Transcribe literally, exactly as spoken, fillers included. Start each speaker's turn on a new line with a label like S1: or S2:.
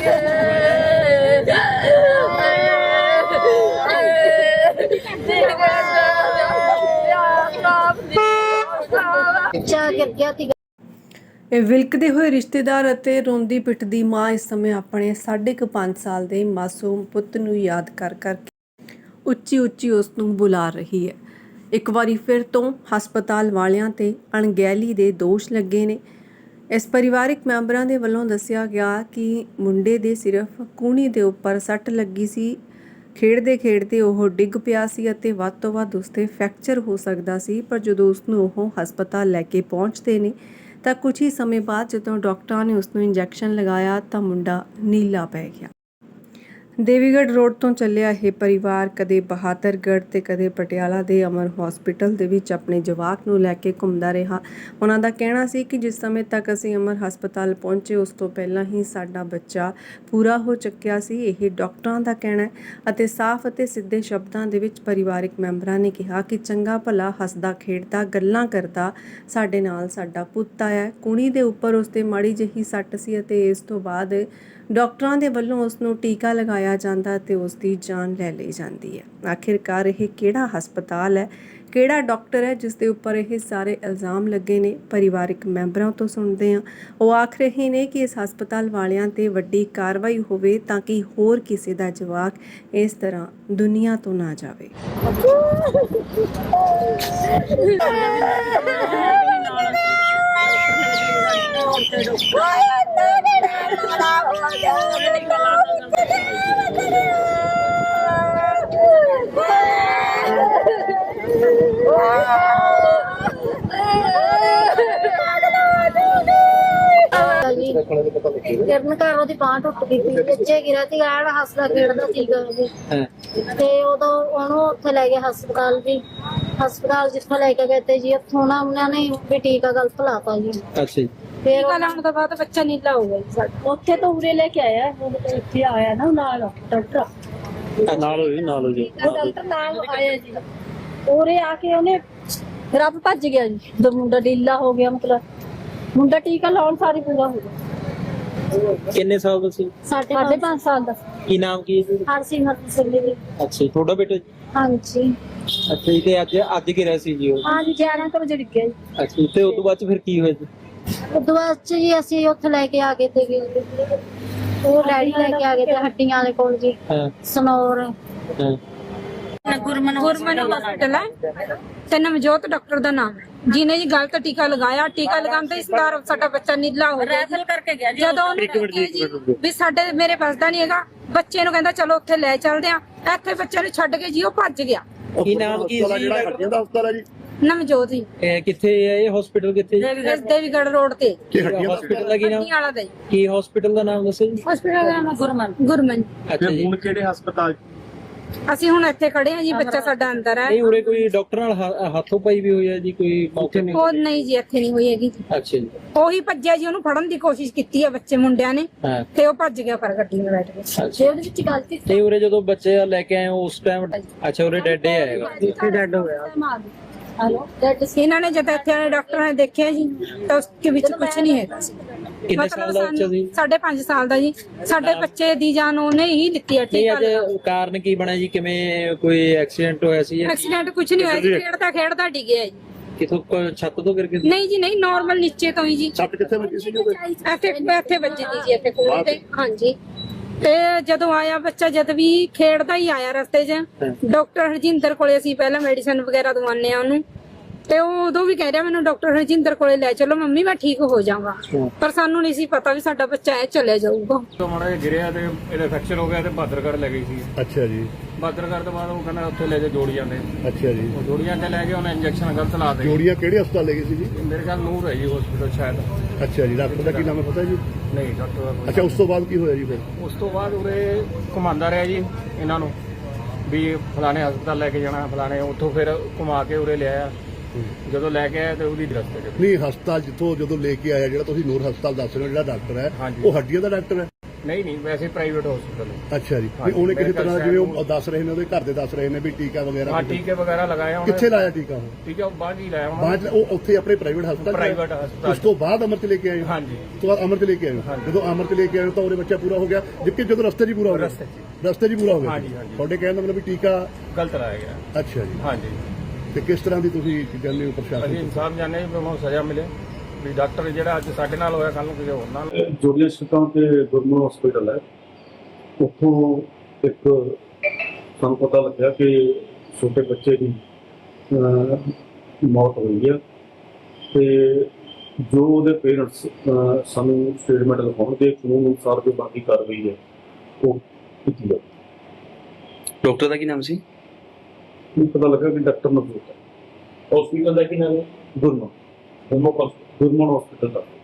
S1: ਇਹ ਵਿਲਕਦੇ ਹੋਏ ਰਿਸ਼ਤੇਦਾਰ ਅਤੇ ਰੋਂਦੀ ਪਿੱਟਦੀ ਮਾਂ ਇਸ ਸਮੇਂ ਆਪਣੇ ਸਾਢੇ ਕੁ ਪੰਜ ਸਾਲ ਦੇ ਮਾਸੂਮ ਪੁੱਤ ਨੂੰ ਯਾਦ ਕਰ ਕਰਕੇ ਉੱਚੀ ਉੱਚੀ ਉਸ ਨੂੰ ਬੁਲਾ ਰਹੀ ਹੈ। ਇੱਕ ਵਾਰੀ ਫਿਰ ਤੋਂ ਹਸਪਤਾਲ ਵਾਲਿਆਂ ਤੇ ਅਣਗਹਿਲੀ ਦੇ ਦੋਸ਼ ਲੱਗੇ ਨੇ। ਇਸ ਪਰਿਵਾਰਕ ਮੈਂਬਰਾਂ ਦੇ ਵੱਲੋਂ ਦੱਸਿਆ ਗਿਆ ਕਿ ਮੁੰਡੇ ਦੇ ਸਿਰਫ ਕੂਹਣੀ ਦੇ ਉੱਪਰ ਸੱਟ ਲੱਗੀ ਸੀ। ਖੇਡਦੇ ਖੇਡਦੇ ਉਹ ਡਿੱਗ ਪਿਆ ਸੀ ਅਤੇ ਵੱਧ ਤੋਂ ਵੱਧ ਉਸ 'ਤੇ ਫ੍ਰੈਕਚਰ ਹੋ ਸਕਦਾ ਸੀ, ਪਰ ਜਦੋਂ ਉਸ ਨੂੰ ਉਹ ਹਸਪਤਾਲ ਲੈ ਕੇ ਪਹੁੰਚਦੇ ਨੇ ਤਾਂ ਕੁਝ ਹੀ ਸਮੇਂ ਬਾਅਦ ਜਦੋਂ ਡਾਕਟਰਾਂ ਨੇ ਉਸ ਨੂੰ ਇੰਜੈਕਸ਼ਨ ਲਗਾਇਆ ਤਾਂ ਮੁੰਡਾ ਨੀਲਾ ਪੈ ਗਿਆ। ਦੇਵੀਗੜ੍ਹ ਰੋਡ ਤੋਂ ਚੱਲਿਆ ਇਹ ਪਰਿਵਾਰ ਕਦੇ ਬਹਾਦਰਗੜ੍ਹ ਤੇ ਕਦੇ ਪਟਿਆਲਾ ਦੇ ਅਮਰ ਹਸਪੀਟਲ ਦੇ ਵਿੱਚ ਆਪਣੇ ਜਵਾਕ ਨੂੰ ਲੈ ਕੇ ਘੁੰਮਦਾ ਰਿਹਾ। ਉਹਨਾਂ ਦਾ ਕਹਿਣਾ ਸੀ ਕਿ ਜਿਸ ਸਮੇਂ ਤੱਕ ਅਸੀਂ ਅਮਰ ਹਸਪਤਾਲ ਪਹੁੰਚੇ ਉਸ ਤੋਂ ਪਹਿਲਾਂ ਹੀ ਸਾਡਾ ਬੱਚਾ ਪੂਰਾ ਹੋ ਚੁੱਕਿਆ ਸੀ। ਇਹ ਡਾਕਟਰਾਂ ਦਾ ਕਹਿਣਾ ਹੈ ਅਤੇ ਸਾਫ਼ ਅਤੇ ਸਿੱਧੇ ਸ਼ਬਦਾਂ ਦੇ ਵਿੱਚ ਪਰਿਵਾਰਕ ਮੈਂਬਰਾਂ ਨੇ ਕਿਹਾ ਕਿ ਚੰਗਾ ਭਲਾ ਹੱਸਦਾ ਖੇਡਦਾ ਗੱਲਾਂ ਕਰਦਾ ਸਾਡੇ ਨਾਲ ਸਾਡਾ ਪੁੱਤ ਆਇਆ। ਕੁੜੀ ਦੇ ਉੱਪਰ ਉਸ 'ਤੇ ਮਾੜੀ ਜਿਹੀ ਸੱਟ ਸੀ ਅਤੇ ਇਸ ਤੋਂ ਬਾਅਦ ਡਾਕਟਰਾਂ ਦੇ ਵੱਲੋਂ ਉਸ ਨੂੰ ਟੀਕਾ ਲਗਾਇਆ ਜਾਂਦਾ ਤੇ ਉਸ ਦੀ ਜਾਨ ਲੈ ਲਈ ਜਾਂਦੀ ਹੈ। ਆਖਿਰਕਾਰ ਇਹ ਕਿਹੜਾ ਹਸਪਤਾਲ ਹੈ, ਕਿਹੜਾ ਡਾਕਟਰ ਹੈ ਜਿਸ ਦੇ ਉੱਪਰ ਇਹ ਸਾਰੇ ਇਲਜ਼ਾਮ ਲੱਗੇ ਨੇ? ਪਰਿਵਾਰਕ ਮੈਂਬਰਾਂ ਤੋਂ ਸੁਣਦੇ ਹਾਂ। ਉਹ ਆਖ ਰਹੇ ਨੇ ਕਿ ਇਸ ਹਸਪਤਾਲ ਵਾਲਿਆਂ ਤੇ ਵੱਡੀ ਕਾਰਵਾਈ ਹੋਵੇ ਤਾਂ ਕਿ ਹੋਰ ਕਿਸੇ ਦਾ ਜਵਾਕ ਇਸ ਤਰ੍ਹਾਂ ਦੁਨੀਆ ਤੋਂ ਨਾ ਜਾਵੇ।
S2: ਕਿਰਨ ਘਰ ਉਹਦੀ ਬਾਂਹ ਟੁੱਟ ਗਈ ਸੀ, ਪਿੱਛੇ ਗਿਰਿਆ ਸੀ, ਐਨ ਹੱਸਦਾ ਖੇਡਦਾ ਸੀਗਾ ਤੇ ਉਦੋਂ ਉਹਨੂੰ ਉੱਥੇ ਲੈ ਗਏ ਹਸਪਤਾਲ ਜੀ। ਹਸਪਤਾਲ ਜਿੱਥੋਂ ਲੈ ਕੇ ਗਏ ਤੇ ਜੀ ਉੱਥੋਂ ਨਾ ਉਹਨਾਂ ਨੇ ਵੀ ਟੀਕਾ ਗਲਤ ਲਾਤਾ ਜੀ।
S3: ਅੱਛਾ ਜੀ।
S2: ਫਿਰ ਲਾਉਣ ਤੋਂ ਬਾਅਦ ਬੱਚਾ ਨੀਲਾ ਹੋ ਗਿਆ ਜੀ ਸਾਡਾ। ਉੱਥੇ ਤੋਂ ਉਰੇ ਲੈ ਕੇ ਆਇਆ, ਇੱਥੇ ਆਇਆ ਨਾ ਨਾਲ ਡਾਕਟਰ
S3: ਨਾਲ ਹੋਈ ਨਾਲ ਹੋ ਜੀ
S2: ਡਾਕਟਰ ਨਾਲ ਆਇਆ ਜੀ। ਉਰੇ ਆ ਕੇ ਉਹਨੇ ਰੱਬ ਭੱਜ ਗਿਆ ਜੀ, ਜਦੋਂ ਮੁੰਡਾ ਢੀਲਾ ਹੋ ਗਿਆ, ਮਤਲਬ ਮੁੰਡਾ ਟੀਕਾ ਲਾਉਣ ਸਾਰੀ ਪੂਰਾ ਹੋ ਗਿਆ।
S3: ਕਿੰਨੇ ਸਾਲ ਦਾ ਸੀ?
S2: ਸਾਢੇ ਪੰਜ ਸਾਲ ਦਾ।
S3: ਕੀ ਨਾਮ ਕੀ ਹੈ?
S2: ਹਰਸਿਮਰਤ ਸਿੰਘ ਜੀ।
S3: ਅੱਛਾ, ਤੁਹਾਡਾ ਬੇਟਾ?
S2: ਹਾਂਜੀ।
S3: ਅੱਛਾ ਜੀ। ਤੇ ਅੱਜ ਅੱਜ ਗਿਰਿਆ ਸੀ ਜੀ ਉਹ?
S2: ਹਾਂਜੀ, ਗਿਆਰਾਂ ਕੁ ਵਜੇ ਡਿੱਗਿਆ ਜੀ।
S3: ਅੱਛਾ, ਤੇ ਉਸ ਤੋਂ ਬਾਅਦ ਫਿਰ ਕੀ ਹੋਇਆ ਜੀ?
S2: ਉਸ ਤੋਂ ਬਾਅਦ ਜੀ ਅਸੀਂ ਉੱਥੇ ਲੈ ਕੇ ਆ ਗਏ ਤੇ ਉਹ ਡੈਡੀ ਲੈ ਕੇ ਆ ਗਏ ਤੇ ਹੱਡੀਆਂ ਵਾਲੇ ਕੋਲ ਜੀ।
S3: ਹਾਂ।
S2: ਸਨੌਰ
S3: ਹਾਂ।
S4: ਗੁਰਮਨ ਗੁਰਮਨ ਹਸਪਤਾਲ ਹੈ ਤੇ ਨਵਜੋਤ ਡਾਕਟਰ ਦਾ ਨਾਮ ਹੈ, ਜਿਹਨੇ ਜੀ ਗਲਤ ਟੀਕਾ ਲਗਾਇਆ। ਟੀਕਾ ਲਗਾਉਣ ਤੇ ਇਸਦਾਰ ਸਾਡਾ ਬੱਚਾ ਨੀਲਾ ਹੋ ਗਿਆ। ਰੈਫਰ ਕਰਕੇ ਗਿਆ ਜੀ। ਜਦੋਂ ਉਹਨੇ ਕਿਹਾ ਜੀ ਵੀ ਸਾਡੇ ਮੇਰੇ ਬਸਦਾ ਨਹੀਂ ਹੈਗਾ, ਬੱਚੇ ਨੂੰ ਕਹਿੰਦਾ ਚਲੋ ਉੱਥੇ ਲੈ ਚੱਲਦੇ ਆ। ਇੱਥੇ ਬੱਚੇ ਨੂੰ ਛੱਡ ਕੇ ਜੀ ਉਹ ਭੱਜ ਗਿਆ।
S3: ਕੀ ਨਾਮ ਕੀ ਸੀ
S5: ਜਿਹੜਾ ਹੱਡੀਆਂ ਦਾ ਹਸਪਤਾਲ ਹੈ ਜੀ?
S4: ਨਵਜੋਤ ਜੀ।
S3: ਇਹ ਕਿੱਥੇ ਹੈ ਇਹ ਹਸਪੀਟਲ? ਕਿੱਥੇ?
S4: ਦੇਵੀਗੜ੍ਹ ਰੋਡ ਤੇ।
S3: ਹਸਪੀਟਲ ਦਾ ਕੀ ਨਾਮ?
S4: ਵਾਲਾ ਦਾ ਜੀ।
S3: ਕੀ ਹਸਪੀਟਲ ਦਾ ਨਾਮ ਦੱਸੋ ਜੀ?
S4: ਹਸਪੀਟਲ ਦਾ ਨਾਮ ਗੁਰਮਨ ਗੁਰਮਨ।
S3: ਅੱਛਾ ਜੀ।
S5: ਹੁਣ ਕਿਹੜੇ ਹਸਪਤਾਲ?
S4: ਅਸੀਂ ਹੁਣ ਇੱਥੇ ਖੜੇ ਹਾਂ ਜੀ, ਬੱਚਾ ਸਾਡਾ ਅੰਦਰ ਹੈ।
S3: ਨਹੀਂ, ਉਰੇ ਕੋਈ ਡਾਕਟਰ ਨਾਲ ਹੱਥੋਂ ਪਾਈ ਵੀ ਹੋਈ ਹੈ ਜੀ? ਕੋਈ ਮੌਕੇ ਨਹੀਂ?
S4: ਉਹ ਨਹੀਂ ਜੀ, ਇੱਥੇ ਨਹੀਂ ਹੋਈ ਹੈਗੀ।
S3: ਅੱਛਾ ਜੀ।
S4: ਉਹੀ ਭੱਜਿਆ ਜੀ, ਉਹਨੂੰ ਫੜਨ ਦੀ ਕੋਸ਼ਿਸ਼ ਕੀਤੀ ਹੈ ਬੱਚੇ ਮੁੰਡਿਆਂ ਨੇ
S3: ਹਾਂ।
S4: ਤੇ ਉਹ ਭੱਜ ਗਿਆ ਪਰ ਗੱਡੀ ਵਿੱਚ ਬੈਠ ਕੇ।
S3: ਤੇ
S4: ਉਹਦੇ ਵਿੱਚ ਗਲਤੀ
S3: ਤੇ ਉਰੇ ਜਦੋਂ ਬੱਚੇ ਲੈ ਕੇ ਆਏ ਉਸ ਟਾਈਮ? ਅੱਛਾ, ਉਰੇ ਡੈਡ ਆਏਗਾ?
S4: ਇੱਥੇ ਡੈਡ ਹੋ ਗਿਆ। ਇਹਨਾਂ ਨੇ ਜਦ ਇੱਥੇ ਆਏ ਡਾਕਟਰਾਂ ਨੇ ਦੇਖਿਆ ਜੀ ਤਾਂ ਉਸਕੇ ਵਿੱਚ ਕੁਝ ਨਹੀਂ ਹੈਗਾ ਸੀ।
S3: ਕਿੰਨੇ ਸਾਲ ਦਾ ਬੱਚਾ ਸੀ?
S4: ਸਾਢੇ ਪੰਜ ਸਾਲ ਦਾ ਜੀ। ਸਾਡੇ ਬੱਚੇ ਦੀ ਜਾਨ ਉਹਨੇ ਹੀ ਦਿੱਤੀ ਹੈ।
S3: ਨਹੀਂ, ਅੱਜ ਕਾਰਨ ਕੀ ਬਣਿਆ ਜੀ? ਕਿਵੇਂ ਕੋਈ ਐਕਸੀਡੈਂਟ ਹੋਇਆ ਸੀ?
S4: ਐਕਸੀਡੈਂਟ ਕੁਝ ਨਹੀਂ ਹੋਇਆ ਜੀ, ਖੇਡਦਾ ਖੇਡਦਾ ਡਿੱਗਿਆ ਜੀ।
S3: ਕਿਥੋਂ ਛੱਤ ਤੋਂ ਗਿਰ ਕੇ?
S4: ਨਹੀਂ ਜੀ ਨਹੀਂ, ਨਾਰਮਲ ਨੀਚੇ ਤੋਂ ਹੀ ਜੀ।
S5: ਸੱਟ ਕਿੱਥੇ ਵੱਜੀ ਸੀ?
S4: ਇੱਥੇ ਇੱਥੇ ਵੱਜੀ ਦੀ ਜੀ, ਇੱਥੇ ਕੋਲ ਤੇ। ਹਾਂਜੀ। ਤੇ ਜਦੋਂ ਆਇਆ ਬੱਚਾ, ਜਦ ਵੀ ਖੇਡਦਾ ਹੀ ਆਇਆ ਰਸਤੇ 'ਚ, ਡਾਕਟਰ ਹਰਜਿੰਦਰ ਕੋਲੇ ਅਸੀਂ ਪਹਿਲਾਂ ਮੈਡੀਸਨ ਵਗੈਰਾ ਦਵਾਉਂਦੇ ਆ ਉਹਨੂੰ, ਤੇ ਉਹ ਉਦੋਂ ਵੀ ਕਹਿ ਰਿਹਾ ਮੈਨੂੰ ਡਾਕਟਰ ਹਰਜਿੰਦਰ ਕੋਲੇ ਲੈ ਚਲੋ ਮੰਮੀ, ਮੈਂ ਠੀਕ ਹੋ ਜਾਵਾਂਗਾ। ਪਰ ਸਾਨੂੰ ਨਹੀਂ ਸੀ ਪਤਾ ਵੀ ਸਾਡਾ ਬੱਚਾ ਐ ਚਲੇ ਜਾਊਗਾ।
S6: ਤੋਂ ਮਾੜਾ ਜਿਹਾ ਗਿਰਿਆ ਤੇ ਇਹਦਾ ਫ੍ਰੈਕਚਰ ਹੋ ਗਿਆ ਤੇ ਬਹਾਦਰਗੜ੍ਹ ਲੈ ਗਈ ਸੀ।
S5: ਅੱਛਾ ਜੀ।
S6: ਬਹਾਦਰਗੜ੍ਹ ਤੋਂ ਬਾਅਦ ਉਹ ਕਹਿੰਦਾ ਉੱਥੇ ਲੈ ਜਾ ਜੋੜੀ ਜਾਂਦੇ।
S5: ਅੱਛਾ ਜੀ।
S6: ਉਹ ਜੋੜੀਆਂ ਤੇ ਲੈ ਕੇ ਉਹਨੇ ਇੰਜੈਕਸ਼ਨ ਗਲਤ ਲਾ ਦੇ।
S5: ਜੋੜੀਆਂ ਕਿਹੜੇ ਹਸਪਤਾਲ ਲੈ ਗਏ ਸੀ ਜੀ?
S6: ਮੇਰੇ ਖਿਆਲ ਨੂਰ ਹੈ ਜੀ ਹਸਪੀਟਲ ਸ਼ਾਇਦ।
S5: ਅੱਛਾ ਜੀ। ਡਾਕਟਰ ਦਾ ਕੀ ਨਾਮ ਹੈ ਪਤਾ ਜੀ?
S6: ਨਹੀਂ, ਡਾਕਟਰ ਦਾ ਕੋਈ।
S5: ਅੱਛਾ, ਉਸ ਤੋਂ ਬਾਅਦ ਕੀ ਹੋਇਆ ਜੀ ਫਿਰ?
S6: ਉਸ ਤੋਂ ਬਾਅਦ ਉਰੇ ਘੁਮਾਉਂਦਾ ਰਿਹਾ ਜੀ ਇਹਨਾਂ ਨੂੰ ਵੀ ਫਲਾਣੇ ਹਸਪਤਾਲ ਲੈ ਕੇ ਜਾਣਾ, ਫਲਾਣੇ। ਉੱਥੋਂ ਫਿਰ ਘੁਮਾ ਕੇ ਉਰੇ ਲਿਆਇਆ। ਜਦੋਂ ਲੈ ਕੇ ਆਇਆ ਤੇ ਉਹਦੀ ਦਰਸਤ
S5: ਨਹੀਂ, ਹਸਪਤਾਲ ਜਿੱਥੋਂ ਜਦੋਂ ਲੈ ਕੇ ਆਇਆ, ਜਿਹੜਾ ਤੁਸੀਂ ਨੂਰ ਹਸਪਤਾਲ ਦੱਸ ਰਹੇ ਹੋ ਜਿਹੜਾ ਡਾਕਟਰ ਹੈ, ਉਹ ਹੱਡੀਆਂ ਦਾ ਡਾਕਟਰ ਹੈ?
S6: ਨਹੀਂ ਨਹੀਂ ਵੈਸੇ ਪ੍ਰਾਈਵੇਟ ਹਸਪੀਟਲ ਹੈ।
S5: ਅੱਛਾ ਜੀ ਵੀ
S6: ਹਾਂਜੀ,
S5: ਉਹਨੇ ਕਿਸੇ
S6: medical
S5: ਤਰ੍ਹਾਂ
S6: side
S5: ਜਿਵੇਂ ਉਹ
S6: ਨੂੰ-
S5: ਦੱਸ ਰਹੇ ਨੇ ਉਹਦੇ ਘਰ ਦੇ ਦੱਸ ਰਹੇ ਨੇ ਵੀ ਟੀਕਾ ਵਗੈਰਾ
S6: ਹਾਂ ਟੀਕੇ ਵਗੈਰਾ ਲਗਾਏ ਉਹਨੇ।
S5: ਕਿੱਥੇ ਲਾਇਆ ਟੀਕਾ ਉਹ
S6: ਟੀਕਾ ਉਹ ਬਾਅਦ ਹੀ ਲਾਇਆ ਉਹਨਾਂ
S5: ਬਾਅਦ 'ਚ ਉਹ ਉੱਥੇ ਆਪਣੇ ਪ੍ਰਾਈਵੇਟ ਹਸਪਤਾਲ 'ਚ ਲਾਇਆ?
S6: ਪ੍ਰਾਈਵੇਟ ਹਸਪਤਾਲ
S5: ਉਸ ਤੋਂ ਬਾਅਦ ਅਮਰ 'ਚ ਲੈ ਕੇ ਆਏ ਹੋ?
S6: ਹਾਂਜੀ
S5: ਉਸ ਤੋਂ ਬਾਅਦ ਅਮਰ 'ਚ ਲੈ ਕੇ ਆਏ ਹੋ?
S6: ਹਾਂਜੀ।
S5: ਜਦੋਂ ਅਮਰ 'ਚ ਲੈ ਕੇ ਆਏ ਹੋ ਤਾਂ ਉਹਦੇ ਬੱਚਾ ਪੂਰਾ ਹੋ ਗਿਆ ਜਦਕਿ ਜਦੋਂ ਰਸਤੇ 'ਚ ਹੀ ਪੂਰਾ ਹੋ ਗਿਆ
S6: ਰਸਤੇ 'ਚ
S5: ਰਸਤੇ 'ਚ ਹੀ ਪੂਰਾ ਹੋ ਗਿਆ
S6: ਹਾਂਜੀ, ਹਾਂਜੀ।
S5: ਤੁਹਾਡੇ ਕਹਿਣ ਦਾ ਮਤਲਬ ਵੀ ਟੀਕਾ
S6: ਗਲਤ ਲਾਇਆ ਗਿਆ।
S5: ਅੱਛਾ ਜੀ
S6: ਹਾਂਜੀ
S5: ਤੇ ਕਿਸ ਤਰ੍ਹਾਂ ਦੀ ਤੁਸੀਂ ਕਹਿੰਦੇ ਹੋ
S6: ਅਸੀਂ
S5: ਪ੍ਰਸ਼ਾਸਨ
S6: ਇਨਸਾਫ ਜਾਣੇ ਵੀ ਉਹਨੂੰ ਸਜ਼ਾ ਮਿਲੇ ਵੀ ਡਾਕਟਰ ਜਿਹੜਾ ਅੱਜ ਸਾਡੇ ਨਾਲ ਹੋਇਆ ਕੱਲ ਨੂੰ ਕਿਸੇ ਹੋਰ ਨਾਲ
S7: ਜੋੜੀਆਂ ਸਟਾਂ ਤੇ ਗੁਰਮਨ ਹਸਪੀਟਲ ਹੈ ਉੱਥੋਂ ਇੱਕ ਸਾਨੂੰ ਪਤਾ ਲੱਗਿਆ ਕਿ ਛੋਟੇ ਬੱਚੇ ਦੀ ਅਹ, ਮੌਤ ਹੋਈ ਹੈ ਤੇ ਜੋ ਉਹਦੇ ਪੇਰੈਂਟਸ ਸਾਨੂੰ ਸਟੇਟਮੈਂਟ ਲਿਖਾਉਣਗੇ ਕਾਨੂੰਨ ਅਨੁਸਾਰ ਜੋ ਬਾਕੀ ਕਾਰਵਾਈ ਹੈ ਉਹ ਕੀਤੀ ਜਾਵੇ।
S8: ਡਾਕਟਰ ਦਾ ਕੀ ਨਾਮ ਸੀ?
S7: ਮੈਨੂੰ ਪਤਾ ਲੱਗਾ ਕਿ ਡਾਕਟਰ ਨਵਜੋਤ ਹੈ।
S8: ਹਸਪੀਟਲ ਦਾ ਕੀ ਨਾਮ ਹੈ?
S7: ਗੁਰਮਨ ਗੁਰਮਨ ਹਸਪੀਟਲ ਦਾ